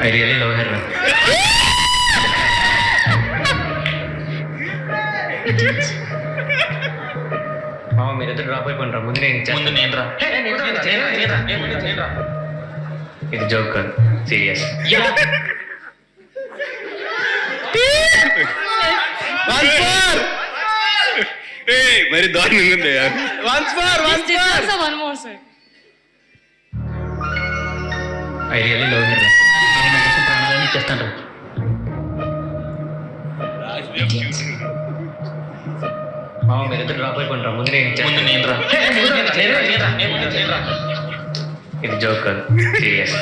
I really love her. మామ మీరిద్దరు drop అయిపోయినరా, ముందు నేను రా. ఇది జోక్ కాదు, సీరియస్. మరి దారుణంగా ఉంది. I really love her. ప్రాణాలని ఇచ్చేస్తాను. మామ మీరిద్దరు డ్రాప్ అయిపోయినరా, ముందు నేను రా. ఇది జోక్ కాదు, సీరియస్.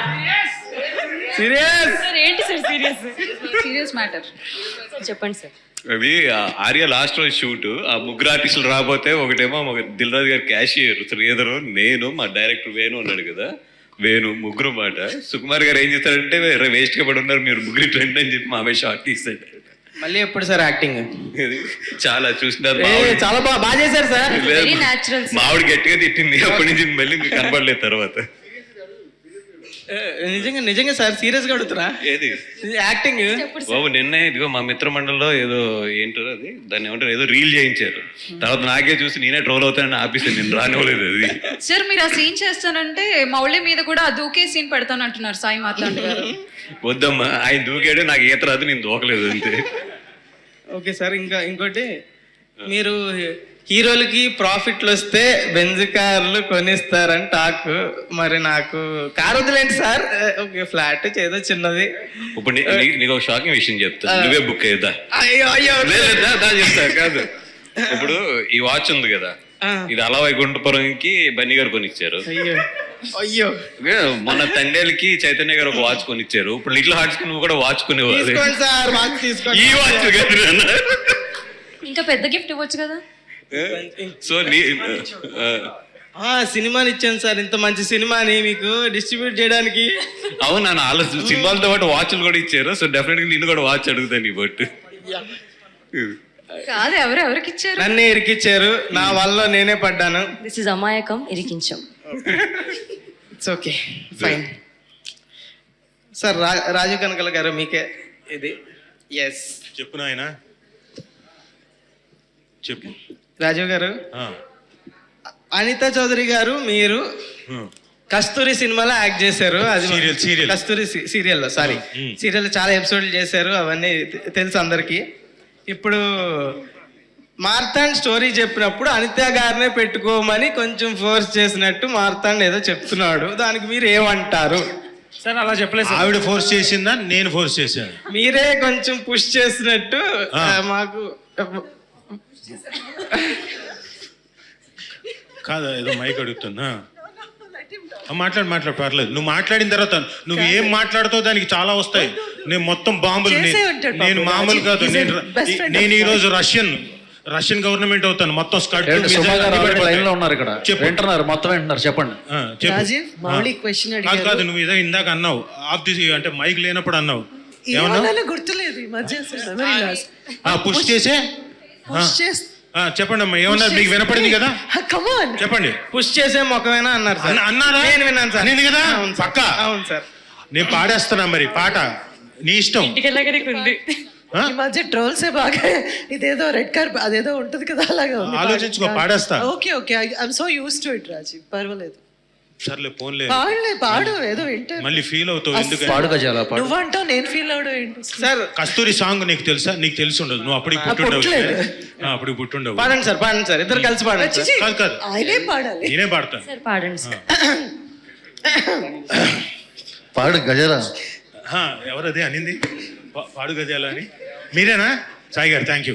ఏంటి సార్ సీరియస్ మ్యాటర్ చెప్పండి సార్. అది ఆర్య లాస్ట్ రోజు షూట్, ఆ ముగ్గురు ఆర్టిస్టులు రాబోతే ఒకటేమో దిల్ రాజు గారు క్యాషియర్, శ్రీధరు, నేను, మా డైరెక్టర్ వేణు ఉన్నాడు కదా, వేణు, ముగ్గురు మాట. సుకుమార్ గారు ఏం చేస్తారంటే వేస్ట్ గా పడి ఉన్నారు మీరు ముగ్గురు ట్రెండ్ అని చెప్పి మా అమ్మాయి షార్ట్ తీస్తాడు. మళ్ళీ ఎప్పుడు సార్ యాక్టింగ్? చాలా చూసినారు, చాలా బాగా చేశారు సార్. మావిడ గట్టిగా తిట్టింది, అప్పటి నుంచి మళ్ళీ మీకు కనపడలేదు తర్వాత. నిజంగా సార్ సీరియస్ గా అడుగుతున్నా ఏది యాక్టింగ్ బాబు. నిన్న ఇదిగో మా మిత్ర మండలిలో ఏదో ఏంటో అది, దాన్ని ఏమంటారు, ఏదో రీల్ చేయించారు. తర్వాత నాకే చూసి నేనే ట్రోల్ అవుతానని ఆపేసాను, నేను రానివ్వలేదు అది. సార్ మీరు ఆ సీన్ చేస్తానంటే మౌళి మీద కూడా ఆ దూకే సీన్ పెడతానంటున్నారు సాయి మాట్లాడు గారు. వద్దమ్మా, ఆయన దూకాడు, నాకు ఈత రాదు, నేను దూకలేదు అంతే. ఓకే సార్, ఇంకోటి మీరు హీరోలకి ప్రాఫిట్లు వస్తే బెంజ్ కార్లు కొనిస్తారని టాక్. మరి నాకు కార్ వదిలేండి సార్, ఓకే ఫ్లాట్ ఏదో చిన్నది. ఇప్పుడు నీకు ఒక షాకింగ్ విషయం చెప్తా, నువ్వే బుక్ అయ్యేదా? అయ్యో చెప్తా కాదు. ఇప్పుడు ఈ వాచ్ ఉంది కదా, ఇది అలా వైకుంఠపురంకి బన్నీ గారు కొనిచ్చారు. అయ్యో మొన్న తండేలకి చైతన్య గారు ఒక వాచ్ కొనిచ్చారు. ఇప్పుడు లిటిల్ హార్ట్స్ కి నువ్వు కూడా వాచ్ కొనేవాళ్ళు. ఈ వాచ్ ఇంకా పెద్ద గిఫ్ట్ ఇవ్వచ్చు కదా. సో సినిమాని ఇచ్చాను సార్, ఇంత మంచి సినిమాని మీకు డిస్ట్రిబ్యూట్ చేయడానికి. అవును, నన్ను ఆలోచన సినిమాలతో పాటు వాచ్లు కూడా ఇచ్చారు. సో డెఫినెట్ గా నిన్ను కూడా వాచ్ అడుగుతాను నీ బట్. కాదు, ఎవరికి ఇచ్చారు? నన్నే ఇరికిచ్చారు, నా వల్ల నేనే పడ్డాను. దిస్ ఇస్ అమాయకం, ఇరికించాం. It's okay fine sir. Raju Kanakala గారు మీకే ఇది. ఎస్ చెప్పు నాయన, చెప్పు. రాజు గారు, అనితా చౌదరి గారు మీరు కస్తూరి సినిమాలో యాక్ట్ చేశారు. అది సీరియల్ కస్తూరి సీరియల్లో, సారీ సీరియల్లో చాలా ఎపిసోడ్లు చేశారు, అవన్నీ తెలుసు అందరికి. ఇప్పుడు మార్తాండ్ స్టోరీ చెప్పినప్పుడు అనిత గారినే పెట్టుకోమని కొంచెం ఫోర్స్ చేసినట్టు మార్తాండ్ ఏదో చెప్తున్నాడు, దానికి మీరు ఏమంటారు? సార్ అలా చెప్పలేదు. ఆవిడ ఫోర్స్ చేసిందా, నేను ఫోర్స్ చేశాను? మీరే కొంచెం పుష్ చేసినట్టు మాకు. కాదా, ఏదో మైక్ అడుగుతున్నా. మాట్లాడు పర్లేదు. నువ్వు మాట్లాడిన తర్వాత నువ్వు ఏం మాట్లాడుతావు దానికి చాలా వస్తాయి. నేను మొత్తం బాంబులు, నేను మామూలు కాదు. నేను ఈ రోజు రష్యన్ గవర్నమెంట్ అవుతాను. మొత్తం స్కర్ట్ ఉన్నారు ఇక్కడ, వింటున్నారు, మొత్తం వింటున్నారు. చెప్పండి. కాదు, నువ్వు ఏదో ఇందాక అన్నావు, ఆఫ్ ది అంటే మైక్ లేనప్పుడు అన్నావు. ఏమన్నా గుర్తులేదు. పుష్ చేసే చెప్పండి అమ్మా, ఏమన్నారు? మీకు వినపడింది కదా, చెప్పండి. పుష్ చేసే మొక్కమేనా అన్నారు సార్. అన్నారా? నేను విన్నాను సార్. నేను కదా పక్కా. అవును సార్. నేను పాడేస్తున్నా, మరి పాట నీ ఇష్టం. ఈ మధ్య ట్రోల్స్ బాగా ఇదేదో రెడ్ కార్డ్ అదేదో ఉంటది కదా, అలాగా ఆలోచించుకో, పాడేస్తా. Okay I'm so used to it Rajeev, పర్వాలేదు. సర్లే ఫోన్లే, పాడు ఏదో వింటే మళ్ళీ ఫీల్ అవుతావు. ఎందుకంటే నువ్వంటావు, నేను ఫీల్ అవడం ఏంటి సార్? కస్తూరి సాంగ్ నీకు తెలుసా? నీకు తెలిసి ఉండదు, నువ్వు అప్పుడు పుట్టుండవు. పాడండి సార్, ఇద్దరు కలిసి పాడండి. కాదు, ఆయనే పాడాలి, నేనే పాడతాను. పాడండి పాడు గజాల. ఎవరది అనింది పాడు గజాల అని? మీరేనా సాయి గారు? Thank you.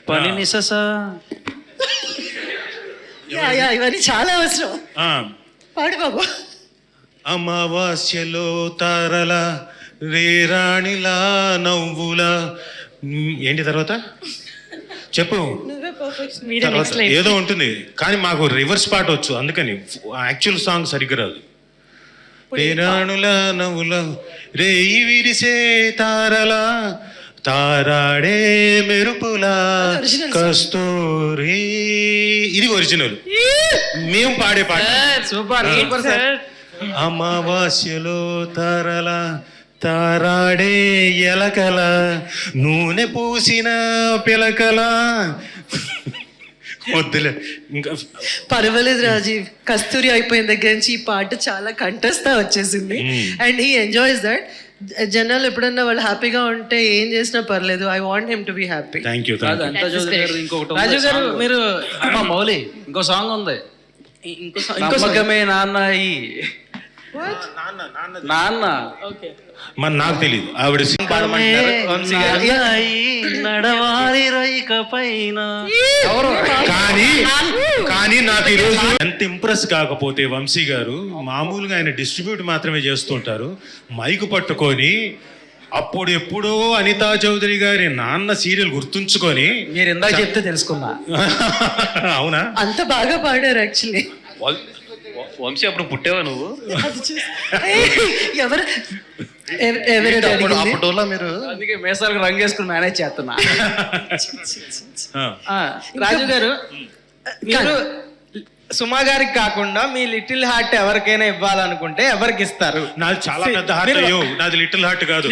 ఇవన్నీ చాలా అవసరం. పాడు బాబు. అమావాస్యలో తారల రేరాణిలా నవ్వులా, ఏంటి తర్వాత చెప్పు. ఏదో ఉంటుంది కానీ మాకు రివర్స్ పాట వచ్చు, అందుకని యాక్చువల్ సాంగ్ సరిగ్గా రాదు. రేరాణుల నవ్వుల రేయి విరిసే తారల తారాడే మెరుపులా కస్తూరి, ఇది ఒరిజినల్. మేము పాడే పాట. సూపర్. అమావాస్యలో తారల తారాడే ఎలకల నూనె పూసిన పిలకల. వద్దులే ఇంకా. పర్వాలేదు రాజీవ్, కస్తూరి అయిపోయిన దగ్గర నుంచి ఈ పాట చాలా కంటెస్తా వచ్చేసింది అండ్ హీ ఎంజాయ్స్ దట్. జనాలు ఎప్పుడన్నా వాళ్ళు హ్యాపీగా ఉంటే ఏం చేసినా పర్లేదు. I want him to be happy. Thank you. Raju గారు మీరు మౌలి ఇంకో సాంగ్ ఉంది, ఇంకో నమ్మకమే నాన్న ఈ నాన్న. మరి నాకు తెలియదు ఆవిడ పాడమంటారు వంశీ గారు. నడవాలి రైక పైన. కానీ నాకు ఈరోజు ఎంత ఇంప్రెస్ కాకపోతే వంశీ గారు మామూలుగా ఆయన డిస్ట్రిబ్యూట్ మాత్రమే చేస్తుంటారు. మైకు పట్టుకొని అప్పుడు ఎప్పుడో అనితా చౌదరి గారి నాన్న సీరియల్ గుర్తుంచుకొని మీరు ఇందాక చెప్తే తెలుసుకున్నా. అవునా? అంత బాగా పాడారు యాక్చువల్లీ. వంశీ అప్పుడు పుట్టేవా నువ్వు? ఎవరు ఎవరు అప్పట్లో మీరు అందుకే మేసాలకు రంగు వేసుకుని మేనేజ్ చేస్తున్నా. రాజు గారు మీరు సుమా గారికి కాకుండా మీ లిటిల్ హార్ట్ ఎవరికైనా ఇవ్వాలనుకుంటే ఎవరికి ఇస్తారు? నాది చాలా పెద్ద హార్ట్. అయ్యో నాది లిటిల్ హార్ట్ కాదు.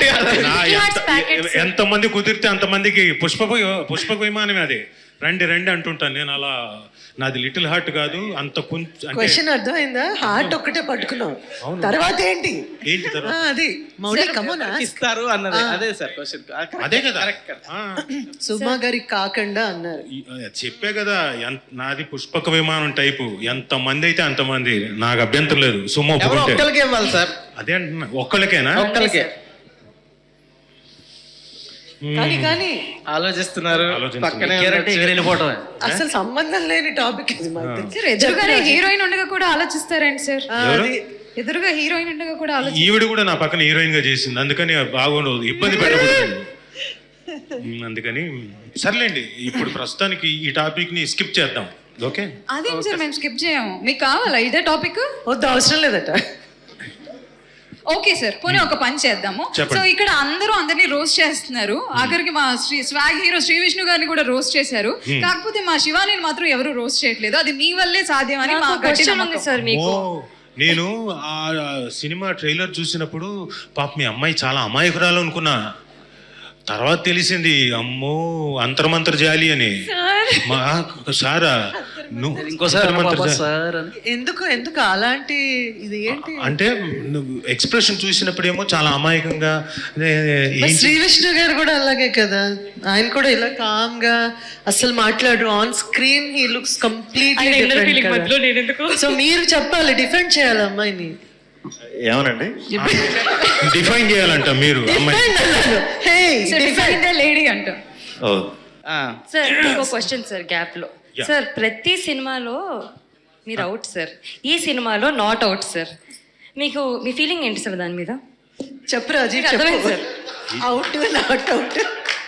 ఎంతమంది కుదిరితే అంతమందికి పుష్పక విమానమే అది. రండి రండి అంటుంటాను నేను. అలా నాది లిటిల్ హార్ట్ కాదు. అంత కొంచెం క్వశ్చన్ అర్థమైందా? హార్ట్ ఒక్కటే పట్టుకున్నావు, తర్వాత ఏంటి? ఏంటి తర్వాత? అది మౌలి కమోనా ఇస్తారు అన్నది అదే సార్ క్వశ్చన్. అదే కదా. సుమా గారికి కాకుండా అన్నారు. చెప్పే కదా నాది పుష్పక విమానం టైపు. ఎంత మంది అయితే అంతమంది, నాకు అభ్యంతరం లేదు. సుమో ఒక్కరికి ఇవ్వాలి సార్. అదే అంటున్నా. ఒక్కళ్ళకేనా? ఒక్కరికే కానీ ఆలోచిస్తున్నారు. పక్కనే వెళ్ళిపోవటం అసలు సంబంధం లేని టాపిక్ ఇది. సార్ ఎదురుగానే హీరోయిన్ ఉండగా కూడా ఆలోచిస్తారండి సార్. ఎదురుగా హీరోయిన్ ఉండగా కూడా ఆలోచి. ఈవిడ కూడా నా పక్కన హీరోయిన్ గా చేసింది, అందుకని బాగుండదు, ఇబ్బంది పెట్టకూడదు. అందుకని సర్లేండి, ఇప్పుడు ప్రస్తుతానికి ఈ టాపిక్ ని స్కిప్ చేద్దాం. ఓకే? అదేం సార్ మేము స్కిప్ చేయము. మీకు కావాలా ఇదే టాపిక్? వద్దు, అవసరం లేదట. ఓకే సార్, పోనీ ఒక పని చేద్దాము. సో ఇక్కడ అందరూ అందరినీ రోస్ట్ చేస్తున్నారు. ఆఖరికి మా స్వాగ్ హీరో శ్రీ విష్ణు గారిని కూడా రోస్ట్ చేశారు. కాకపోతే మా శివాని మాత్రం ఎవరు రోస్ట్ చేయట్లేదు. అది మీ వల్లే సాధ్యమని మా గట్టి నమ్మకం సార్. మీకు నేను ఆ సినిమా ట్రైలర్ చూసినప్పుడు పాప మీ అమ్మాయి చాలా అమాయకురాలు అనుకున్నా. తర్వాత తెలిసింది అమ్మో అంతర్మంతర జాలి అని. సారా ఎందుకు అలాంటి ఇది ఏంటి అంటే ఎక్స్ప్రెషన్ చూసినప్పుడేమో చాలా అమాయకంగా. శ్రీ విష్ణు గారు కూడా అలాగే కదా, ఆయన కూడా ఇలా కామ్ గా అసలు మాట్లాడు. On screen he looks completely different. So మీరు చెప్పాలి, డిఫెండ్ చేయాలి అమ్మాయిని. ఏమనండి డిఫైన్ చేయాలంట మీరు లేడీ అంట. సార్ ఇంకో క్వశ్చన్ సార్ గ్యాప్ లో. సార్ ప్రతి సినిమాలో మీరు అవుట్ సార్, ఈ సినిమాలో నాట్ అవుట్ సార్. మీకు మీ ఫీలింగ్ ఏంటి సార్ దాని మీద? చెప్పు Rajeev, sir out not out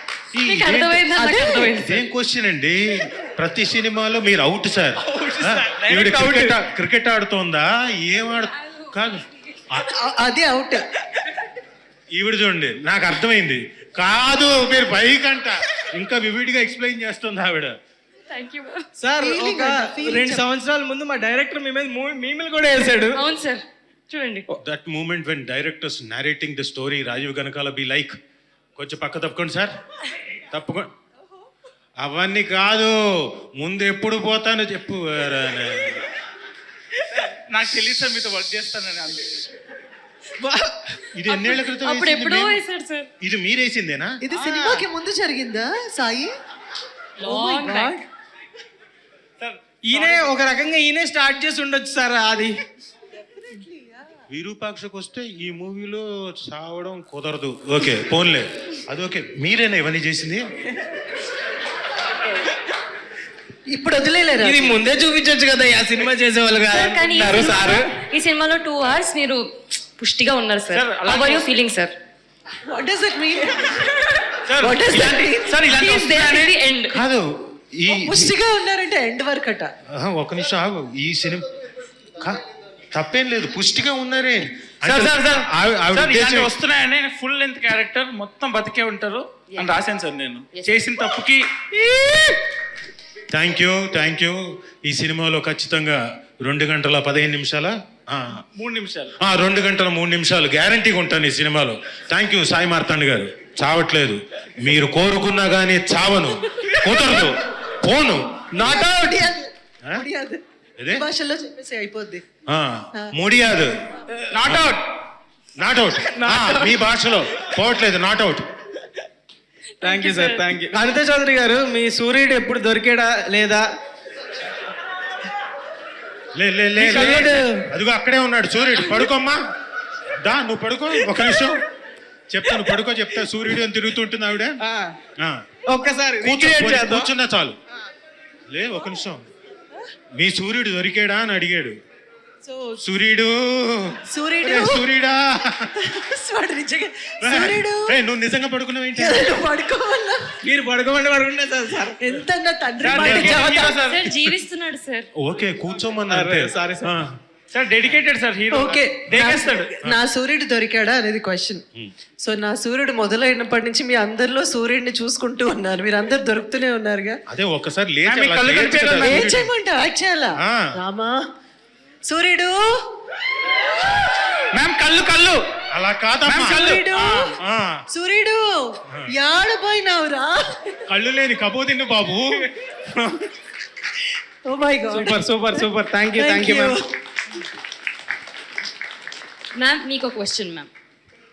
ఏం క్వశ్చన్ అండి? ప్రతి సినిమాలో మీరు అవుట్ సార్. క్రికెట్ ఆడుతోందా? ఏం కాదు, అది అవుట్. ఈవిడ చూడండి, నాకు అర్థమైంది. కాదు మీరు పైకంట ఇంకా వివిడిగా ఎక్స్ప్లెయిన్ చేస్తుంది ఆవిడ. సార్ ఒక 2 సంవత్సరాల ముందు మా డైరెక్టర్ మీ మీద మీమిల్ కూడా వేసాడు. అవును సార్, చూడండి. That moment when directors narrating the story, Rajeev Kanakala be like, కొంచెం పక్క తప్పుకోండి సార్, తప్పుకోండి. అవన్నీ కాదు, ముందు ఎప్పుడు పోతానో చెప్పు. నాకు తెలియదు సార్ మీతో వర్క్ చేస్తానని. ఇది ఎన్నేళ్ల క్రితం అప్పుడు ఎప్పుడో వేసాడు సార్. ఇది మీరేసిందేనా? ఇది సినిమాకి ముందు జరిగిందా సాయి? ఈయనే ఒక రకంగా ఈయనే స్టార్ట్ చేసి ఉండొచ్చు సార్. అది విరూపాక్షకు వస్తే ఈ మూవీలో చావడం కుదరదు. ఓకే పోన్లే, అది ఓకే. మీరేనా ఇవన్నీ చేసింది? ఇప్పుడు వదిలేలేరు. ఇది ముందే చూపించొచ్చు కదా, ఆ సినిమా చేసేవాళ్ళు కాదు సార్. ఈ సినిమాలో 2 hours మీరు పుష్టిగా ఉన్నారు sir. How are you feeling sir? What does it mean? What does that mean? Sir ఇలాంటి వస్తున్నాయని ఎండ్ కాదు, ఈ పుష్టిగా ఉన్నారంటే ఎండ్ వరకు అట. ఒక నిమిషం ఆగు. ఈ సినిమా తప్పేం లేదు, పుష్టిగా ఉన్నారే. వస్తున్నాయని ఫుల్ లెంత్ క్యారెక్టర్ మొత్తం బతికే ఉంటారు అని రాశాను సార్. నేను చేసిన తప్పుకి థ్యాంక్ యూ. ఈ సినిమాలో ఖచ్చితంగా 2 గంటల 15 నిమిషాల 3 నిమిషాలు 2 గంటల 3 నిమిషాలు గ్యారంటీగా ఉంటాను ఈ సినిమాలో. థ్యాంక్ యూ సాయి మార్తాండ్ గారు. చావట్లేదు, మీరు కోరుకున్నా కానీ చావను, కుదరదు, పోను. Not out. ఇదే? భాషలో చెప్పేసి అయిపోద్ది. ముడియాదు, నాట్ అవుట్. Not out. మీ భాషలో పోవట్లేదు, not out. Thank you sir, thank you. Anitha Chowdary గారు, మీ సూర్యుడు ఎప్పుడు దొరికాడా లేదా? సూర్యుడు అదిగో అక్కడే ఉన్నాడు సూర్యుడు. పడుకోమ్మా, దా నువ్వు పడుకో, ఒక నిమిషం చెప్తాను, పడుకో చెప్తా. సూర్యుడు అని తిరుగుతుంటుంది ఆవిడ. ఒక్కసారి కూర్చున్నా చాలు. ఒక నిమిషం. మీ సూర్యుడు దొరికాడా అని అడిగాడు. సూర్యుడు సూర్యుడా సూర్యుడు నువ్వు నిజంగా పడుకున్నావేంటి? పడుకోవాలా? మీరు పడుకోమంటే పడుకుంటే సార్. ఎంత తండ్రి సార్ జీవిస్తున్నాడు సార్. ఓకే కూర్చోమన్నా. Sorry sir dedicated sir, hero. Okay, దేకేస్తాడు. నా సూర్యుడు దొరికాడా అనేది క్వశ్చన్. సో నా సూర్యుడు మొదలైనప్పటి నుంచి మీ అందరిలో సూర్యుడిని చూసుకుంటూ ఉన్నారు, మీరు అందరు దొరుకుతూనే ఉన్నారుగా. అదే ఒక్కసారి ఏం చేయమంటావు? యాక్ట్ చేయాలా? రామా సూర్యుడు, మ్యామ్ కళ్ళు అలా కాదమ్మా. సూర్యుడు, సూర్యుడు యాడపోయినావురా? కళ్ళు లేని కబోదిన్ను బాబు. Oh my god, super super super. Thank you ma'am. Ma'am మీకు ఒక క్వశ్చన్ మ్యామ్.